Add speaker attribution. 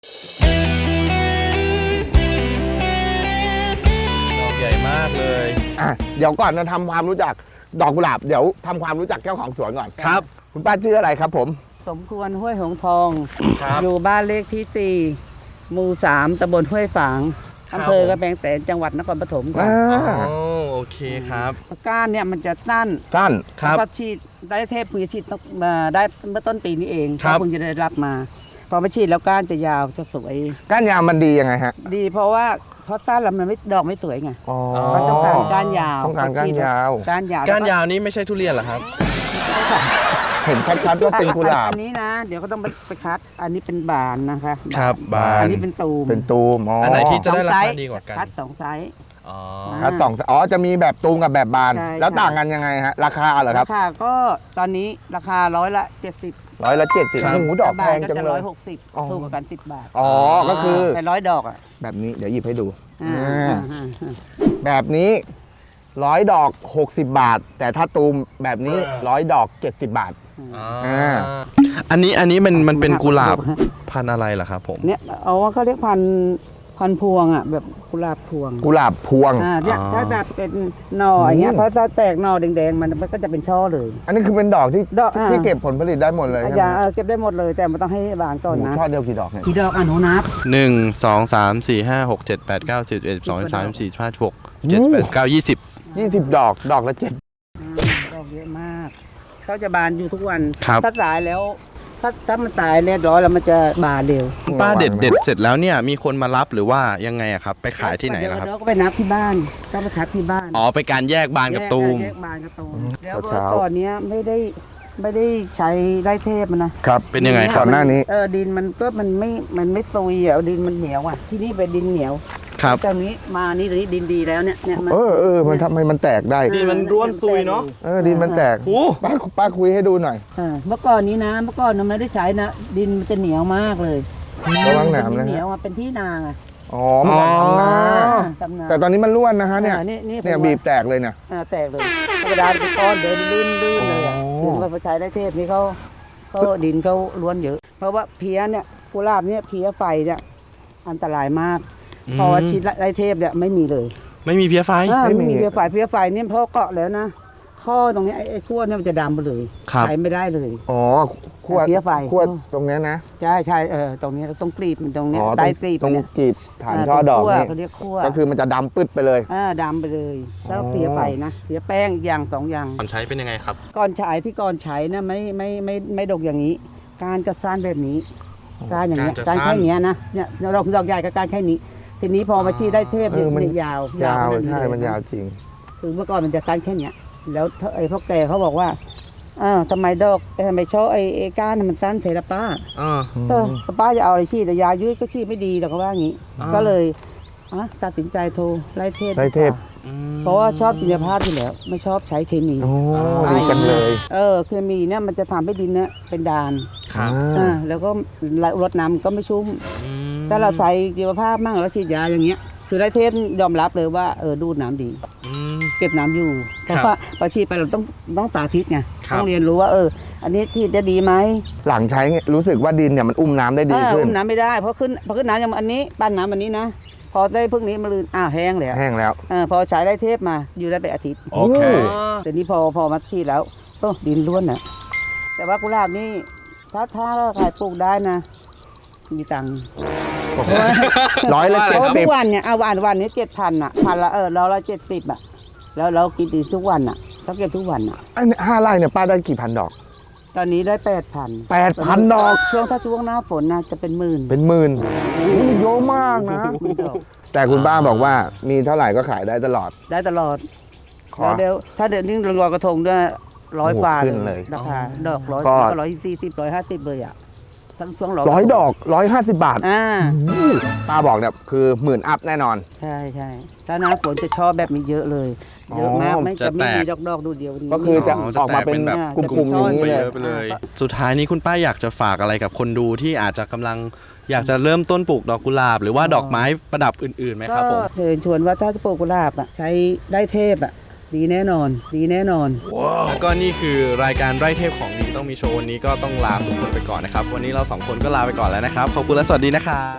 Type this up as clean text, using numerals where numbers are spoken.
Speaker 1: ดอกใหญ่มากเลย
Speaker 2: เดี๋ยวก่อนเราทำความรู้จักดอกกุหลาบเดี๋ยวทำความรู้จักเจ้าของสวนก่อนครับคุณป้าชื่ออะไรครับผม
Speaker 3: สมควรห้วยหงทอง
Speaker 1: ครับ
Speaker 3: อยู่บ้านเลขที่4หมู่3ตำบลห้วยฝางอำเภอกระแพงแสนจังหวัดนครปฐมค่ะ
Speaker 1: โอเคครับ
Speaker 3: ก้านเนี่ยมันจะสั้น
Speaker 1: ครับ
Speaker 3: ก็ฉีดได้เทพเพิ่งจะฉีดได้เมื่อต้นปีนี้เองเพิ่งจะได้รับมาพอมาฉีดแล้วก้านจะยาวจะสวย
Speaker 2: ก้านยาวมันดียังไงฮะ
Speaker 3: ดีเพราะสั้นแล้วมันไม่ดอกไม่สวยไงมันต้องการก้านยาว
Speaker 2: ต้องการก้านยาว
Speaker 1: ก้านยาวนี่ไม่ใช่ทุเรียนเหรอครับ
Speaker 2: เห็นชัดๆว่าเป็นกุหลาบ
Speaker 3: อันนี้นะเดี๋ยวก็ต้องไปคัดอันนี้เป็นบานนะคะ
Speaker 1: ครับบาน
Speaker 3: อันนี้เป็นตูม
Speaker 1: อันไหนที่จะได้ราคาดีกว่ากัน
Speaker 3: คัด2ไซส์
Speaker 2: คัด2จะมีแบบตูมกับแบบบานแล้วต่างกันยังไงฮะราคาเหรอครับ
Speaker 3: ราคาก็ตอนนี้ราคา170
Speaker 2: 170หมูดอกแพงจังเลย
Speaker 3: 160ถูกกว่ากัน10 บาท
Speaker 2: ก็คือ
Speaker 3: แต่100 ดอกอ่ะ
Speaker 2: แบบนี้เดี๋ยวหยิบให้ดูแบบนี้100 ดอก60 บาทแต่ถ้าตูมแบบนี้100 ดอก70 บาท
Speaker 1: อันนี้มันเป็นกุหลาบพันธุ์อะไรล่ะครับผม
Speaker 3: เนี่ยว่าเขาเรียกพันธุ์พวงอ่ะแบบกุหลาบพวงเนี่ยถ้าแบบเป็นหน่ออย่างเงี้ยพอจะแตกหน่อแดงๆมันก็จะเป็นช่อเลย
Speaker 2: อันนี้คือเป็นดอกที่เก็บผลผลิตได้หมดเลย
Speaker 3: เก็บได้หมดเลยแต่มันต้องให้บานก่อนนะ
Speaker 2: ช่อเดียวกี่ดอกเนี่ย
Speaker 3: กี่ดอกหนูนับ
Speaker 1: 1 2 3 4 5 6 7 8 9 10 11 12 13 14 15 16 17 18 19
Speaker 2: 20 ดอกละ7
Speaker 3: ดอกเยอะมากเขาจะบานอยู่ทุกวัน
Speaker 1: ถ้
Speaker 3: าสายแล้วถ้ามันตายเรียบร้อยแล้วมันจะบานเร็ว
Speaker 1: ป้าเด็ดเสร็จแล้วเนี่ยมีคนมารับหรือว่ายังไงอะครับไปขายที่ไหนครับ
Speaker 3: เราก็ไปนับที่บ้านก็ไปคัดที่บ้าน
Speaker 1: ไปการแยกบานกับตูม
Speaker 3: แยกบานกับตูมแล้วก่อนนี้ไม่ได้ใช้ไร่เทพมัน
Speaker 2: นะครับ
Speaker 1: เป็นยังไง
Speaker 2: ก่อนหน้านี้
Speaker 3: ดินมันไม่ซุยดินมันเหนียวที่นี่เป็นดินเหนียว
Speaker 1: ครับ
Speaker 3: ตรงนี้มานี่ดินดีแล้วเนี่ย
Speaker 2: มันทำไมมันแตกได้
Speaker 1: ดินมันร่วนซุยเนาะ
Speaker 2: ดินมันแตกป้าคุยให้ดูหน่อย
Speaker 3: เมื่อก่อนนี้นะมันไม่ได้ใช้นะดินมันจะเหนียวมากเลย
Speaker 2: ระวังหนามนะ
Speaker 3: เหนียวเป็นที่นา
Speaker 2: มันทำนาแต่ตอนนี้มันร่วนนะฮะเนี่ยบีบแตกเลยเนี่ย
Speaker 3: แตกเลยธรรมดาเป็นก้อนเดินลื่นเลยถึงมาใช้ได้เทพนี่เขาดินเขาล้วนเยอะเพราะว่าเพี้ยเนี่ยกุหลาบเนี่ยเพี้ยไฟเนี่ยอันตรายมากพอชีดไรเทพเนี่ยไม่มีเลย
Speaker 1: ไม่มีเพี้ยไฟ
Speaker 3: ไม่มีเพี้ยไฟเนี่ยเพราะเกาะแล้วนะข้อตรงนี้ไอ้ขั้วเนี่ยมันจะดำไปเลยใช้ไม่ได้เลย
Speaker 2: ขั้ว
Speaker 3: เพี้ยไฟ
Speaker 2: ขั้วตรงนี้นะ
Speaker 3: ใช่ตรงนี้ต้องกรีบมันตรงนี้ใต้กรีบ
Speaker 2: ตรงกรีบฐานช่อดอกนี่ก็คือมันจะดำปึ๊ดไปเลย
Speaker 3: ดำไปเลยแล้วเพี้ยไฟนะเพี้ยแป้งอย่าง2 อย่าง
Speaker 1: ก่อนใช้เป็นยังไงครับ
Speaker 3: ก่อนใช้นะไม่ดกอย่างนี้การจะสั้นแบบนี้การอย่างเงี้ยการแค่นี้นะเนี่ยดอกใหญ่กับการแค่นี้ทีนี้พอมาชีได้เทพเนี่ยยาว
Speaker 2: ใช่มันยาวจริง
Speaker 3: คือเมื่อก่อนมันจะสั้นแค่นี้แล้วไอ้พ่อแก่เขาบอกว่าทำไมชอบไอ้ก้านมันสั้นเทระป้าป้าจะเอาอะไรชีดแต่ยายืดก็ชีดไม่ดีหรอกเขาว่าอย่างนี้ก็เลยตัดสินใจโทรไล่เทพเพราะว่าชอบจินภาพอยู่แล้วไม่ชอบใช้เคมี
Speaker 2: ดีกันเลย
Speaker 3: เคมีเนี่ยมันจะทำให้ดินเนี่ยเป็นด่านแล้วก็รดน้ำก็ไม่ชุ่มถ้าเราใส่จินภาพมั่งแล้วฉีดยาอย่างเงี้ยคือไล่เทพยอมรับเลยว่าดูดน้ำดีเก็บน้ำอยู่เพราะว่าพอฉีดไปเราต้องสาธิตไงต้องเรียนรู้ว่าอันนี้ที่จะดีไหม
Speaker 2: หลังใช้รู้สึกว่าดินเนี่ยมันอุ้มน้ำได้ดีขึ้น
Speaker 3: อุ้มน้ำไม่ได้เพราะขึ้นน้ำอย่างอันนี้ปั้นน้ำอันนี้นะพอได้พึ่งนี้มาลืนแห้งแล้วพอใช้ได้เทพมาอยู่ได้ไปอาทิตย์
Speaker 1: โอเค
Speaker 3: แต่นี้พอมาฉีดแล้วดินล้วนนะแต่ว่ากุหลาบนี่ถ้าขายปลูกได้นะมีตังค์
Speaker 2: 170
Speaker 3: ทุกวันเนี่ยวันนี้7,000พันละเราละ70แล้วเรากินดีทุกวันต้องเก็บทุกวัน
Speaker 2: 5 ไร่เนี่ยป้าได้กี่พันดอก
Speaker 3: ตอนนี้ได้
Speaker 2: 8,000 ดอก
Speaker 3: ถ้าช่วงหน้าฝนนะจะเป็นหมื่น
Speaker 2: เยอะมากนะแต่คุณป้าบอกว่ามีเท่าไหร่ก็ขายได้ตลอด
Speaker 3: เดี๋ยวถ้าเดือนนี้ลอยกระทงด้วย100 กว่าเลยราคาดอก100ก็140 150เลยช่วง
Speaker 2: 100 ดอก150 บาทป้าบอกเนี่ยคือ10,000 อัพแน่นอน
Speaker 3: ใช่ถ้าหน้าฝนจะชอบแบบนี้เยอะเลยเยอะมากจะไม่มีดอกดูเดียว
Speaker 2: ก็คือจะออกมาเป็นแบบกลุ่มๆอย่างนี้
Speaker 1: เลยสุดท้ายนี้คุณป้าอยากจะฝากอะไรกับคนดูที่อาจจะกำลังอยากจะเริ่มต้นปลูกดอกกุหลาบหรือว่าดอกไม้ประดับอื่นๆไหมครับผม
Speaker 3: เชิญชวนว่าถ้าจะปลูกกุหลาบใช้ได้เทพดีแน่นอน ดีแน่นอน
Speaker 1: แล้วก็นี่คือรายการไร่เทพของดีต้องมีโชว์วันนี้ก็ต้องลาทุกคนไปก่อนนะครับวันนี้เราสองคนก็ลาไปก่อนแล้วนะครับขอบคุณและสวัสดีนะครับ